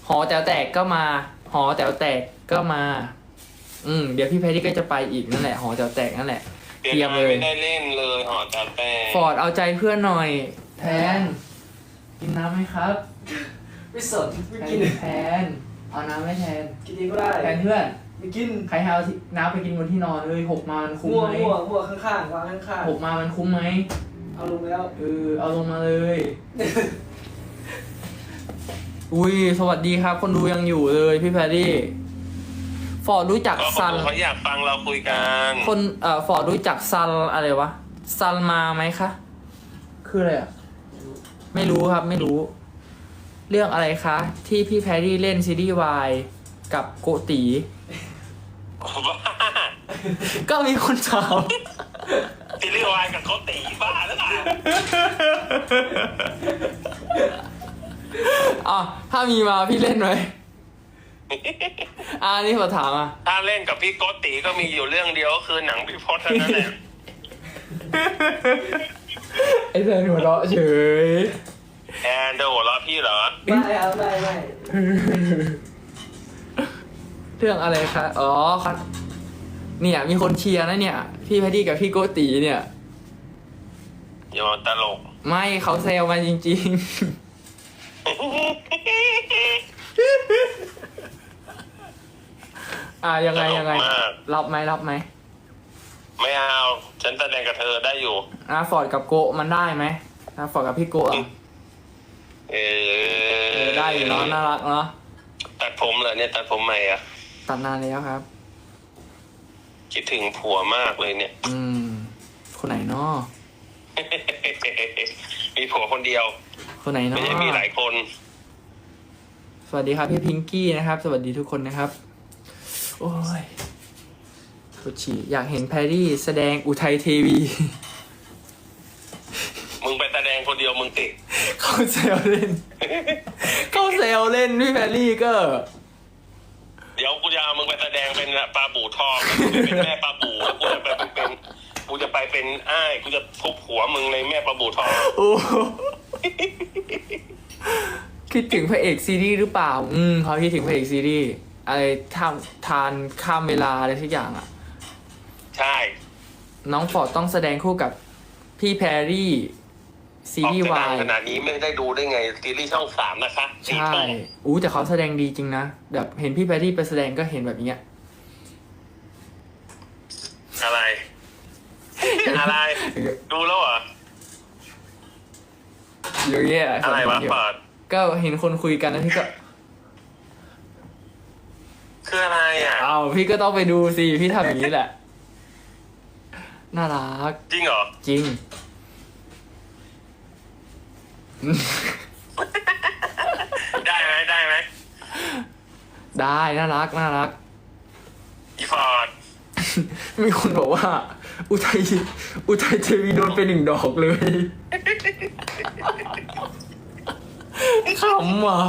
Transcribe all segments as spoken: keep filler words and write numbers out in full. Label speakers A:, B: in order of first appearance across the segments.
A: หอแต๋วแตกก็มา หอแต๋วแตกก็มา อืมเดี๋ยวพี่แพทตี้ก็จะไปอีกนั่นแหละหอแต๋วแตกนั่นแหละเตรียมเลย
B: ไม่ได้เล่นเลยหอแต๋วแตก
A: ฟอร์ดเอาใจเพื่อนหน่อย แทน กินน้ำไหมครับ
C: ไม่สนไม่
A: แท
C: กิ
A: น
C: น
A: แทนเอาน้ำไหมแทน
C: กินเองก็ได้
A: แทนเพื่อน
C: ไม่กิน
A: ใครเอาน้ำไปกินบนที่นอนเลยหกมามันคุ้ม
C: มั่ว
A: ไหม
C: มั่วมั่วข้างๆวางข้าง
A: หกมามันคุ้มไหม
C: ๆเอาลงแล้ว
A: เออเอาลงมาเลย อุ้ยสวัสดีครับ คนดูยังอยู่เลยพี่แพรรี่ฟอร์ดรู้จัก
B: ก็
A: ซัน
B: เขาอยากฟังเราคุยกัน
A: คนเอ่อฟอร์ดรู้จักซันอะไรวะซันมาไหมคะ คืออะไรอ่ะ ไม่รู้ครับไม่รู้ เรื่องอะไรคะ ที่พี่แพรรี่เล่นซีรีส์วายกับโกตี
B: บ้า
A: ก็มีคนถาม
B: ซีรีส์วายกับเขาตีบ้าแล้วล่ะ
A: อ่ะถ้ามีมาพี่เล่นไหมอ่านี่ขอถามอ่ะ
B: ถ้าเล่นกับพี่โกติก็มีอยู่เรื่องเดียวก็คือหนังพี่พจน์เท่านั้นแหละ
A: ไอ้แทนหัวเราะเฉย
B: แอนเดอร์หัวเราะพี่เหรอ
C: ไม่เอาไม่ไม่
A: เรื่องอะไรคะ อ๋อครับเนี่ยมีคนเชียร์นะเนี่ย พี่แพดดี้กับพี่โกตีเนี่ย
B: อย่ามาตลก
A: ไม่เขาแซวมาจริงๆ อ่ายังไงยังไง
B: ตลกมาก
A: รับไหมรับไหม
B: ไม่เอา ฉันแสดงกับเธอได้อยู่
A: อ่าฟอร์ดกับโกะมันได้ไหมอ่าฟอร์ดกับพี่โกะอ่ะ
B: เอ
A: เอ
B: อ
A: อได้อยู่เนาะน่ารักเนาะ
B: ตัดผมเหรอเนี่ยตัดผมใหม่อะ
A: ตัดนานแล้วครับ
B: คิดถึงผัวมากเลยเนี่ย
A: อืม คนไหนเนาะ
B: มีผัวคนเดียว
A: คนไหนเนาะ
B: ไม่ใช่มีหลายคน
A: สวัสดีครับพี่พิงกี้นะครับ สวัสดีทุกคนนะครับ โอ้ยปวดฉี่อยากเห็นแพรรี่แสดงอุทัยเทวี
B: มึงไปแสดงคนเดียวมึงติด
A: เขาเซลเล่น เขาเซลเล่นพี่แพรรี่ก็
B: เดี๋ยวกูจะเอามึงไปแสดงเป็นปลาบู่ทองเป็นแม่ปลาบู่แล้วกูจะไปเป็นกูจะไปเป็นอ้ายกูจะทุบหัวมึงในแม่ปลาบู่ทอง
A: โอ้คิดถึงพระเอกซีรีส์หรือเปล่า อืมเขาคิดถึงพระเอกซีรีส์อะไรทำทานข้ามเวลาอะไรทุกอย่างอ่ะ
B: ใช่
A: น้องฟอร์ดต้องแสดงคู่กับพี่แพรรี่ซี
B: ออก
A: รีส์
B: จะ
A: วา
B: ดัง
A: ย
B: ขนาดนี้ไม่ได้ดูได้ไงซีรีส์ช่องสามนะคะสี่
A: ใช่
B: ทุ่ม
A: อู้แต่เขาแสดงดีจริงนะ แบบเห็นพี่แพรรี่ไปแสดงก็เห็นแบบเนี้ย
B: อะไร อะไร ดูแล้วเหรอ
A: อย่างเงี้ย
B: อะไรวะเปิด
A: ก็เห็นคนคุยกันแล้วพี่ก็
B: คืออะไรอ่ะ
A: เอาพี่ก็ต้องไปดูสิ พี่ทำอย่างนี้แหละ น่ารัก
B: จริงเหรอ
A: จริง
B: ได้ไหมได้ไหม
A: ได้น่ารักน่ารัก
B: อีฟอร์ด
A: มีคนบอกว่า อุทัยอุทัยเทวีโดนไปหนึ่งดอกเลยขำว่ะ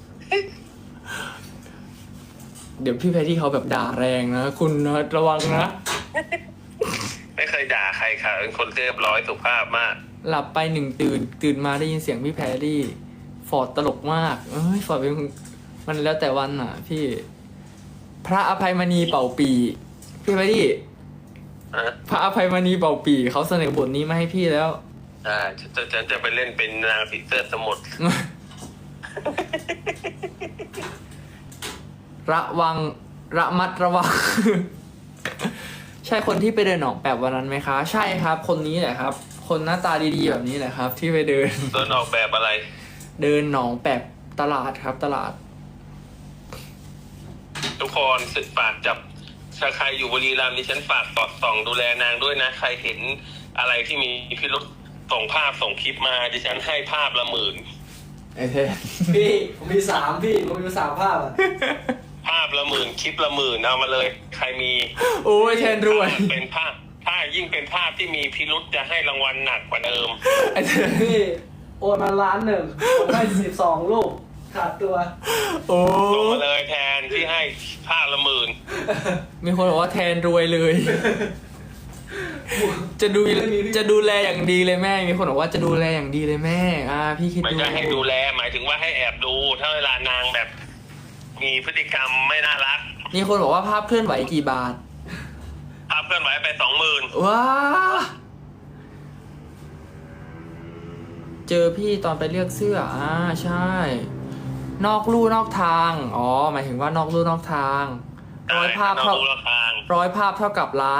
A: เดี๋ยวพี่แพทที่เขาแบบด่าแรงนะ คุณนะระวังนะ
B: ไม่เคยด่าใครค่ะเป็นคนเรียบร้อยสุภาพมาก
A: หลับไปหนึ่งตื่น ตื่นมาได้ยินเสียงพี่แพรรี่ ฟอร์ดตลกมาก เอ้ยฟอร์ดเป็นมันแล้วแต่วันอ่ะ พี่ พระอภัยมณีเป่าปี พี่แพรรี่
B: ฮะ
A: พระอภัยมณีเป่าปีเขาเสนอบทนี้มาให้พี่แล้ว
B: อ่าฉันจะฉันจะไปเล่นเป็นนางผีเสื้อสมุทร
A: ระวังระมัดระวัง ใช่คนที่ไปเดินหนองแปบวันนั้นไหมคะ ใช่ครับ คนนี้แหละครับ คนหน้าตาดีๆแบบนี้แหละครับ ที่ไปเดิน
B: โดนออกแบบอะไร
A: เดินหนองแปบตลาดครับ ตลาด
B: ทุกคนสึกฝากจับถ้าใครอยู่บุรีรัมย์ดิฉันฝากสอดส่องดูแลนางด้วยนะ ใครเห็นอะไรที่มีพิรุษส่งภาพส่งคลิปมาดิฉันให้ภาพละหมื่น
A: ไอ้เทน
C: พี่ผมมีสามพี่ผมมีสามภาพอ่ะ
B: ภาพละหมื่นคลิปละหมื่นเอามาเลย ใครมี
A: โอ้ยแทนรวย
B: เป็นภาพถ้ายิ่งเป็นภาพที่มีพิรุษจะให้รางวัลหนักกว่าเดิม
A: ไอ้เทน
C: พี่โอนมาล้านหนึ่งผมให้สิบสองลูกขาดตัว
A: โอ้
B: ลงมาเลยแทนที่ให้ภาพละหมื่น
A: มีคนบอกว่าแทนรวยเลย จะดูจะดูแลอย่างดีเลยแม่ มีคนบอกว่าจะดูแลอย่างดีเลยแม่ อ่า พี่คิด
B: ไม่
A: ดู
B: ใช่ให้ดูแลหมายถึงว่าให้แอบดูถ้าเวลานางแบบมีพฤติกรรมไม่น่ารัก
A: มีคนบอกว่าภาพเคลื่อนไหวกี่บาท
B: ภาพเคลื่อนไหวไปสองหมื่น
A: ว้า เจอพี่ตอนไปเลือกเสื้อ อ่า ใช่ นอกลู่นอกทาง อ๋อ หมายถึงว่านอกลู่นอกทาง ร้อยภาพเท่า ร้อยภาพเท่ากับล้าน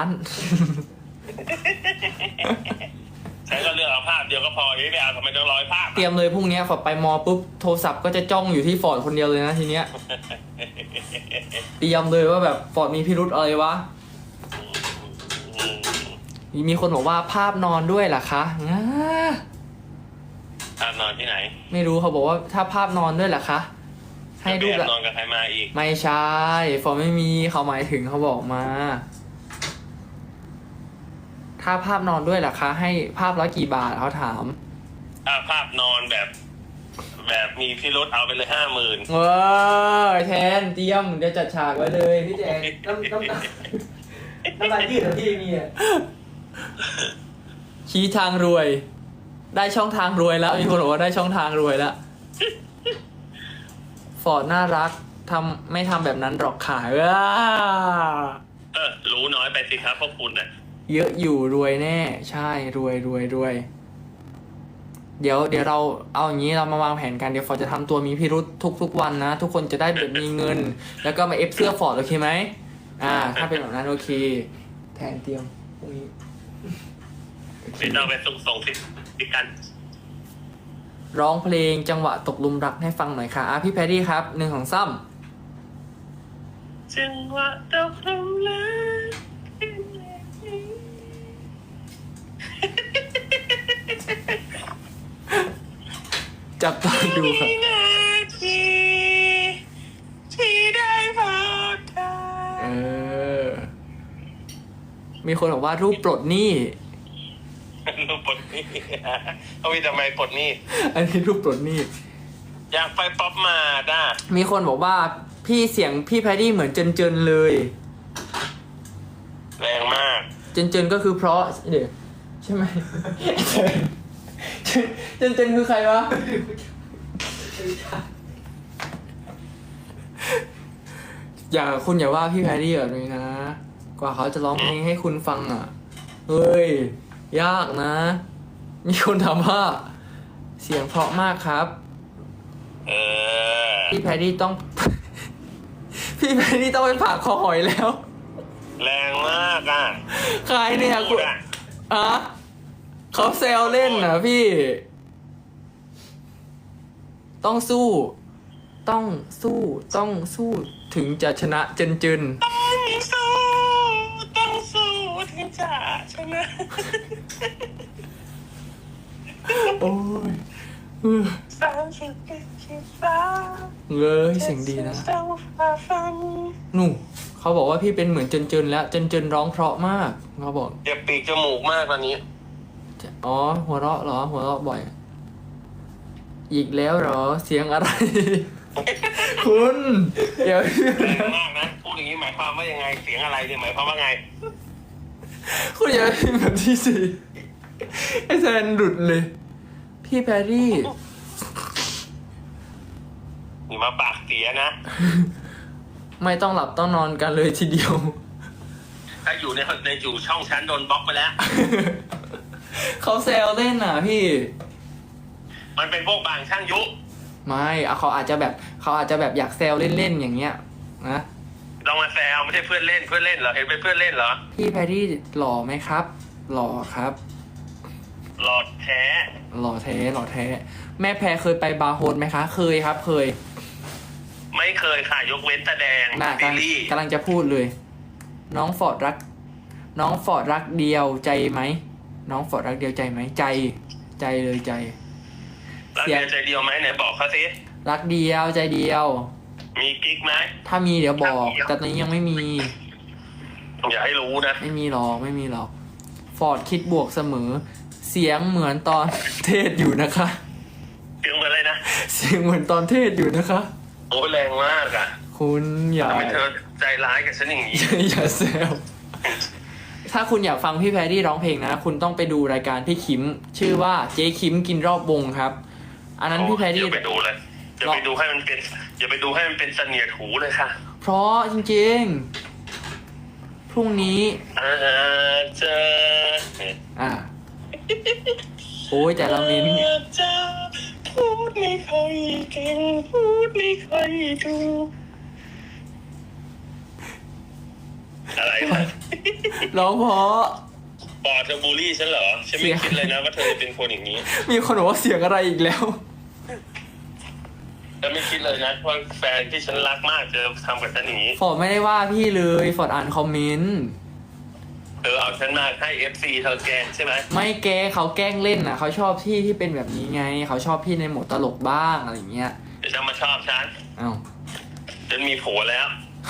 B: ฉันก็เลือกเอาภาพเดียวก็พอไม่เอาทำไมต้องร้อยภาพ
A: เตรียมเลยพรุ่งนี้ฟอร์ดไปมอปุ๊บ โทรศัพท์ก็จะจ้องอยู่ที่ฟอร์ดคนเดียวเลยนะทีเนี้ย เตรียมเลยว่าแบบฟอร์ดมีพิรุธอะไรวะ มีคนบอกว่าภาพนอนด้วยเหรอคะง่า
B: ภาพนอนที่ไหน
A: ไม่รู้เขาบอกว่าถ้าภาพนอนด้วยเหรอคะ ให้รูป
B: แบ
A: ละ
B: บนอนกับใครมาอีก
A: ไม่ใช่ฟอร์ดไม่มีเขาหมายถึงเขาบอกมา ถ้าภาพนอนด้วยเหรอคะ ให้ภาพละกี่บาทเขาถาม
B: ถ้าภาพนอนแบบ แบบมีพี่รถเอาไปเลยห้าหมื่น
A: เออแทนเตรียมเดี๋ยวจัดฉากไว้เลย
C: พี่แจงน้ำน้ำน้ำน้ำลายยืดเหรอพี่มีอ่ะ
A: ชี้ทางรวย ได้ช่องทางรวยแล้วมีคนบอกว่าได้ช่องทางรวยแล้วฟอร์ดน่ารักทำไม่ทำแบบนั้นหรอกค่ะว้า
B: เออรู้น้อยไปสิครับพวกคุณน่ะ
A: เยอะอยู่รวยแน่ ใช่รวยรวยรวย เดี๋ยวเดี๋ยวเราเอาอย่างนี้เรามาวางแผนกันเดี๋ยวฟอร์ดจะทำตัวมีพิรุษทุกทุกวันนะ ทุกคนจะได้แบบมีเงิน แล้วก็มาเอฟเสื้อฟอร์ดโอเคไหมอ่า ถ้าเป็นแบบนั้นโอเค แทนเตรียมพรุ่งนี้
B: ไม่ต้องไปส่งส่งสิสิกัน
A: ร้องเพลงจังหวะตกหลุมรักให้ฟังหน่อยค่ะอ่ะพี่แพรรี่ครับหนึ่งของซ้
B: จังหวะตกลงรัก
A: ำจับตาดูครับ
B: นาทีที่ได้พบเธอ
A: เออ มีคนบอกว่ารูปปลดหนี้
B: รูปปลดหนี้เอาวิทำไมปลดหนี้
A: อันนี้รูปปลดหนี้
B: อยากไปป๊อปมาด้า
A: มีคนบอกว่าพี่เสียงพี่แพรรี่เหมือนเจนเจนเลย
B: แรงมาก
A: เจนเจนก็คือเพราะเดี๋ยวใช่ไหม เจนเจนคือใครวะ อย่าคุณอย่าว่าพี่แพรรี่แบบนี้นะ กว่าเขาจะร้องเพลงให้คุณฟังอ่ะ เฮ้ย ยากนะ มีคนถามว่า เสียงเพราะมากครับ
B: เออ
A: พี่แพรรี่ต้อง พี่แพรรี่ต้องไปผ่าคอหอยแล้ว
B: แรงมากอ่ะ
A: ใครเนี่ยคุณ
B: อ่ะ
A: อะเขาแซวเล่นนะพี่ ต้องสู้ ต้องสู้ ต้องสู้ ถึงจะชนะเจนเจน
B: ต้องสู้ต้องสู้ถึงจะชนะ
A: โอ้ยเออ
B: สามสิบเป็นชีฟ้า
A: เงยเสียงดีนะ
B: ต้องฝ่าฟัน
A: หนูเขาบอกว่าพี่เป็นเหมือนเจนเจนแล้วเจนเจนร้องเพราะมากเขาบอก
B: เจ็บปีกจมูกมากตอนนี้
A: อ๋อ หัวเราะเหรอ หัวเราะบ่อย อีกแล้วเหรอ เสียงอะไร คุณอย่า
B: แรงมากนะ พูดอย่างนี้หมายความว่ายังไง เสียงอะไรเนี่ยหมายความว่าไง
A: คุณอย่าพิมพ์แบบที่สิไอแซนหลุดเลย พี่แพรรี่
B: นี่มาปากเสียนะ
A: ไม่ต้องหลับต้องนอนกันเลยทีเดียว
B: ถ้าอยู่ในในอยู่ช่องชั้นโดนบล็อกไปแล้ว
A: เขาแซวเล่นน่ะพี่
B: มันเป็นพวกบางช่างยุ
A: ไม่อะเขาอาจจะแบบเขาอาจจะแบบอยากแซวเล่นๆอย่างเงี้ยนะ
B: ลองมาแซวไม่ใช่เพื่อนเล่นเพื่อนเล่นเหรอเห็นเป็นเพื่อนเล่นเหรอ
A: พี่แพรรี่หล่อไหมครับ หล่อครับ
B: หลอดแท้
A: หล่อแท้หล่อแท้ แม่แพรเคยไปบาร์โฮสไหมคะ เคยครับ เคย
B: ไม่เคยค่ะยกเว้นแสดง
A: น่ะ
B: ซี
A: กำลัง
B: รีส์
A: กำลังจะพูดเลย น้องฟอร์ดรัก น้องฟอร์ดรักเดียวใจไหม น้องฟอร์ดรักเดียวใจไหม ใจ ใจเลยใจ
B: รักเดียวใจเดียวไหมไหนบอกเขาสิ
A: รักเดียวใจเดียว
B: มีกิ๊กไหม
A: ถ้ามีเดี๋ยวบอก แต่ตอนนี้ยังไม่มี
B: อย่าให้รู้นะ
A: ไม่มีหรอก ไม่มีหรอก ฟอร์ดคิดบวกเสมอ เสียงเหมือนตอนเทศอยู่นะคะ
B: เสียงเหมือนอะไรนะ
A: เสียงเหมือนตอนเทศอยู่นะคะ
B: โอ้ยแรงมากอ่ะ
A: คุณอย่า
B: ทำไมเธอใจร้ายกับฉันอย่างนี้
A: อย่าแซว ถ้าคุณอยากฟังพี่แพรรี่ร้องเพลงนะ คุณต้องไปดูรายการพี่คิม ชื่อว่าเจ๊คิมกินรอบวงครับ อันนั้นพี่แพรรี่
B: เดี๋ยวไปดูเลยอย่าไปดูให้มันเป็นอย่าไปดูให้มันเป็นเสนียดหูเลยค่ะ
A: เพราะจริงๆ พรุ่งนี้
B: อาจจะ
A: อ่า โอ้ยแต่ละมิ้น
B: อาจจะพูดไม่ค่อยเก่งพูดไม่ค่อยถูกอะไรวะ
A: ร้องเพราะ
B: ปอเธอบูลลี่ฉันเหรอฉันไม่คิดเลยนะว่าเธอจะเป็นคนอย่างนี้
A: มีคนบอกว่าเสียงอะไรอีกแล้ว
B: ฉันไม่คิดเลยนะว่าแฟนที่ฉันรักมากจะทำกับฉันอย่างนี้
A: ฟอร์ดไม่ได้ว่าพี่เลยฟอร์ดอ่านคอมเมนต์
B: เธอเอาฉันมาให้เอฟซีเธอแกล้งใช่ไหม
A: ไม่แกเขาแกล้งเล่นอ่ะเขาชอบพี่ที่เป็นแบบนี้ไง เขาชอบพี่ในโหมดตลกบ้างอะไรอย่างเงี้ย
B: เดี๋ยวฉันมาชอบฉัน
A: อ้าว
B: ฉันมีผัวแล้ว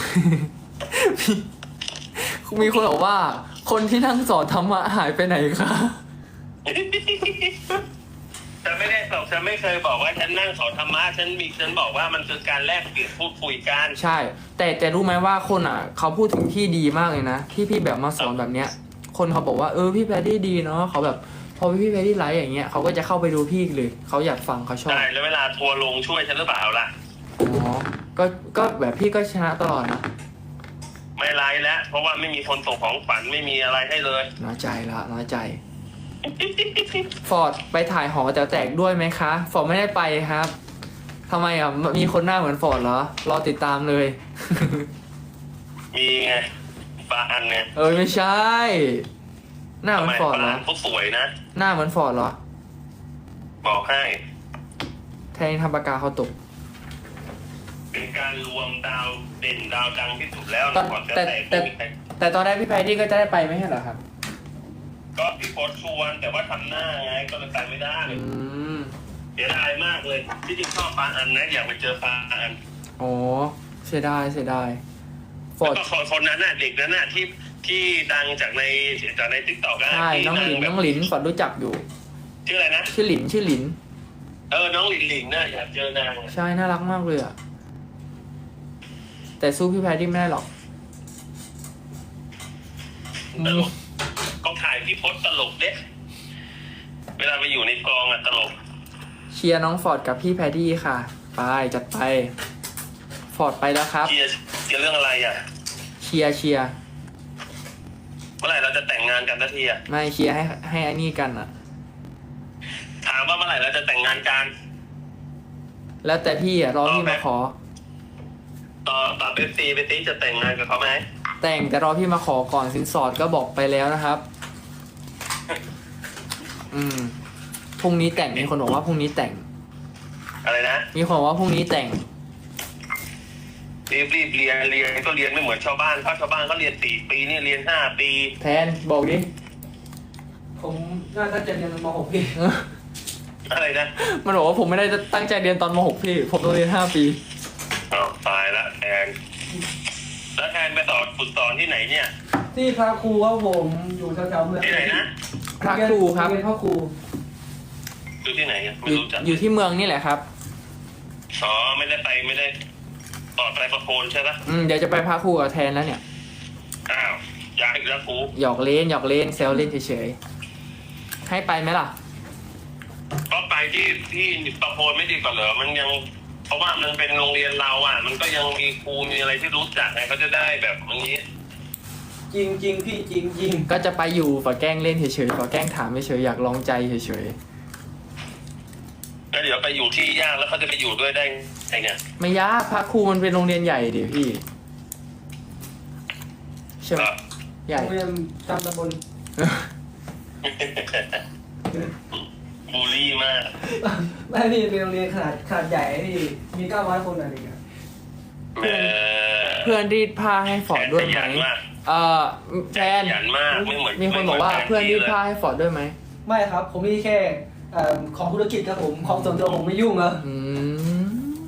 A: มีคนบอกว่า คนที่นั่งสอนธรรมะหายไปไหนคะ
B: ฉันไม่ได้บอกฉันไม่เคยบอกว่าฉันนั่งสอนธรรมะฉันมีฉันบอกว่ามันคือการแลกเปลี่ยนพูดคุยกัน
A: ใช่ แต่แต่รู้ไหมว่าคนอ่ะเขาพูดถึงพี่ดีมากเลยนะที่พี่แบบมาสอนแบบเนี้ย คนเขาบอกว่าเออพี่แพดดี้ดีเนาะเขาแบบพอพี่แพดดี้ไลฟ์อย่างเงี้ยเขาก็จะเข้าไปดูพี่เลยเขาอยากฟังเขาชอบ
B: ใช่แล้วเวลาทัวร์ลงช่วยฉันหรือเปล่าล่ะ
A: อ๋อก็ก็แบบพี่ก็ชนะตลอดนะ
B: ไม่ไลฟ์แล้วเพราะว่าไม่มีคนส่งของขวัญไม่มีอะไรให้เลย
A: น้อยใจละน้อยใจ ฟอร์ดไปถ่ายหอแต๋วแตกด้วยไหมคะ ฟอร์ดไม่ได้ไปครับทำไมอ่ะมีคนหน้าเหมือนฟอร์ดเหรอรอติดตามเลย
B: มีไงปลาอันไง
A: เออไม่ใช่ หน้าเหมือนฟอร์ด
B: ป
A: เหร
B: ลา
A: อ
B: อันเขาสวยนะ
A: หน้าเหมือนฟอร์ดเหรอ
B: บอกให้
A: แทงทำปากกาเขาตก
B: เป็นการรวมดาวเด่นดาวดังที่สุดแล้ว
A: แต่
B: ก่อนจะ
A: แต่
B: แตก
A: แต่
B: ไม่มีใคร
A: แต่ตอนแรกพี่แพดดี้ก็จะได้ไปไม่ใช่เหรอครับ
B: ก็พี่โพสต์ชวนแต่ว่าทำหน้าไงก็เลยไปไม่ได้
A: อืม
B: เสียดายมากเลยที่จริงชอบปลาอันนะอยากไปเจอปลาอัน
A: โอ้เสียดายเสียดายฟอ
B: แล้ว
A: ร์ด
B: ก็คนคนนั้นน่ะเด็กนั้นน่ะที่ที่ดังจากในจากในติ๊กต็อก
A: ใช่
B: ที่
A: น้องหลิน
B: ดั
A: น้องหลินฟอร์ดรู้จักอยู่
B: ชื่ออะไรนะ
A: ชื่อหลินชื่อหลิน
B: เออน้องหลินหลินน่ะอยากเจอนาง
A: ใช่น่ารักมากเลยอ่ะแต่สู้พี่แพดดี้ไม่ได้หรอก
B: ตลกก็ถ่ายพี่พศตลกเด้เวลาไปอยู่ในกองอ่ะตลก
A: เชียร์น้องฟอร์ดกับพี่แพดดี้ค่ะ ไปจัดไป ฟอร์ดไปแล้วครับ
B: เชียร์เชียร์เรื่องอะไรอ่ะ
A: เชียร์เชียร์
B: เมื่อไหร่เราจะแต่งงานกันสักทีอ่ะ
A: ไม่เชียร์ให้ให้อันนี้กันอ่ะ
B: ถามว่าเมื่อไหร่เราจะแต่งงานกัน
A: แล้วแต่พี่อ่ะรอพี่มาขอ
B: ต่อต่อเบฟซีเบฟซีจะแต่งงานกับเขาไหม
A: แต่งแต่รอพี่มาขอก่อนสินสอดก็บอกไปแล้วนะครับ อืมพรุ่งนี้แต่งมีคนบอกว่าพรุ่งนี้แต่ง
B: อะไรนะ
A: มีคนบอกว่าพรุ่งนี้แต่ง
B: รีบรีบเรียนเรียนก็เรียนไม่เหมือนชาวบ้านเพราะชาวบ้านเขาเรียนสี่ปีนี่เรียนห้าปี
A: แทนบอกดิ
C: ผมน่าจะเรียนม .หก พี่
B: อะไรนะ
A: มันบอกว่าผมไม่ได้ตั้งใจเรียนตอนม .หก พี่ ผมต้องเรียนห้าปี
B: อ้าวตายละแทนแล้วแทนไปต่อฝึกสอนที่ไหนเนี่ย
C: ที่พระครูครับผมอยู่แถวๆเมือง
B: ที่ไหนนะ
A: พระครูครับ
C: เรียนพระครู
B: อยู่ที่ไหนอะ
A: อ
B: ไม่
A: ยู่
B: รู้จัก
A: อยู่ที่เมืองนี่แหละครับ
B: อ๋อไม่ได้ไปไม่ได้ต่อไปประโคนใช่ปะ
A: อืมเดี๋ยวจะไปพระครูกับแทนแล้วเนี่ย
B: อ้าวย้ายอีกแล้วครู
A: หยอกเล่นหยอกเล่นแซวเล่นเฉยๆ ให้ไปไหมล่ะ
B: ก็ไปที่ที่ประโคนไม่ดีกว่าเหรอมันยัง เพราะว่ามันเป็นโรงเรียนเราอ่ะ มันก็ยังมีครูมีอะไรที่รู้จักไงเขาจะได้แบบอันนี้
C: จริงจริงๆพี่จริงจริง
A: ก็จะไปอยู่ฝอแกล้งเล่นเฉยๆฝอแกล้งถามเฉยๆอยากลองใจเฉย
B: แล้วเดี๋ยวไปอยู่ที่ยากแล้วเขาจะไปอยู่ด้วยได้ไงเนี่ย
A: ๆ ไม่ยากพระครูมันเป็นโรงเรียนใหญ่เดี๋ยวพี่ใช่ไหม
B: ก็
A: ใหญ่
C: โรงเรียนจำตำบล
B: บูลลี่มาก
C: ไม่พี่เป็นโรงเรียนขนาดขนาดใหญ่พี่มีเก้าร้อยคนอะไรอย่างเงี้ย
B: เออ
A: เพื่อนรีดผ้าให้ฟอร์ดด้วยไหม
B: ขยันมาก
A: เอ่อแทน
B: ขยันมากไม่เหมือน
A: มีคนบอกว่าเพื่อนรีดผ้าให้ฟอร์ดด้วยไหม
C: ไม่ครับผมมีแค่เอ่อของธุรกิจครับผมของส่วนตัวผมไม่ยุ่งอะ
A: อืม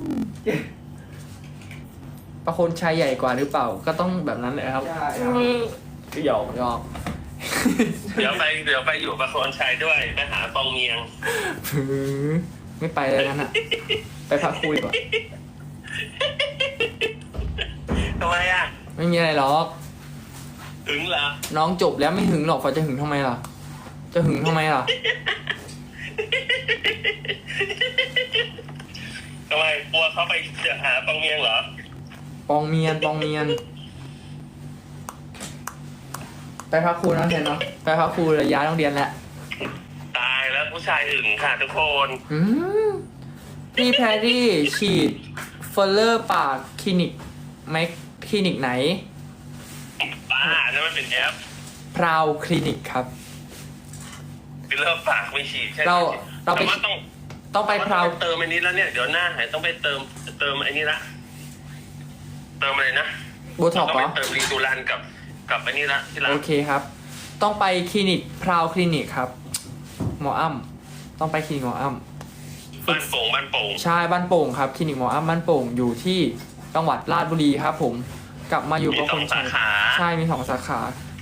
A: ประคนชายใหญ่กว่าหรือเปล่า ก็ต้องแบบนั้นเลยครับ
C: ใช่ครับ
A: หยอกหยอก
B: เดี๋ยวไปเดี๋ยวไปอยู่ประโคนชัยด้วยไปหาปองเมียง
A: ไม่ไปเลยนั่นอ่ะ ไปพักคุยก่อน
B: ทำไมอ่ะ
A: ไม่มีอะไรหรอก
B: ถึงเหรอ
A: น้องจบแล้วไม่หึงหรอกฟอร์ดจะหึงทำไมล่ะ จะหึงทำไมล่ะ
B: ททำไมกลัวเขาไปเจอหาตองเมียงเหรอ
A: ปองเมียนปองเมียน ไปพักครูนะเซนเนาะไปพักครูเลยย้ายโรงเรียนแล้ว
B: ตายแล้วผู้ชายอึ่งค่ะทุกคน
A: อืมพี่แพรรี่ฉีดเฟลเลอร์ปากคลินิกไหมคลินิกไหน
B: บ้านั่นมันเป็นแอป
A: พราวคลินิกครับ
B: ฟิลเลอร์ปากไม่ฉีดใช่ไหม
A: เราเราไป
B: แต่ว่าต้อง
A: ต้องไปพราว
B: เติมอันนี้แล้วเนี่ยเดี๋ยวหน้าหายต้องไปเติมเติมอันนี้ละเติมอะไรนะ
A: โบท็อกซ์เหร
B: ต้
A: อ
B: องไปเติมรีดูรันกับกับอันนี้ละที่ร้าน
A: โอเคครับ ต้องไปคลินิกพราวคลินิกครับ หมออ้ำต้องไปคลินิกหมออ้ำ
B: บ้านโป่งบ้านโป่ง
A: ใช่บ้านโป่งครับคลินิกหมออ้ำบ้านโป่งอยู่ที่จังหวัดราชบุรีครับผมกลับมาอยู่
B: มี
A: กับ
B: ส
A: ค
B: อน ง
A: ใช้
B: สาขา
A: ใช่มีสองสาขา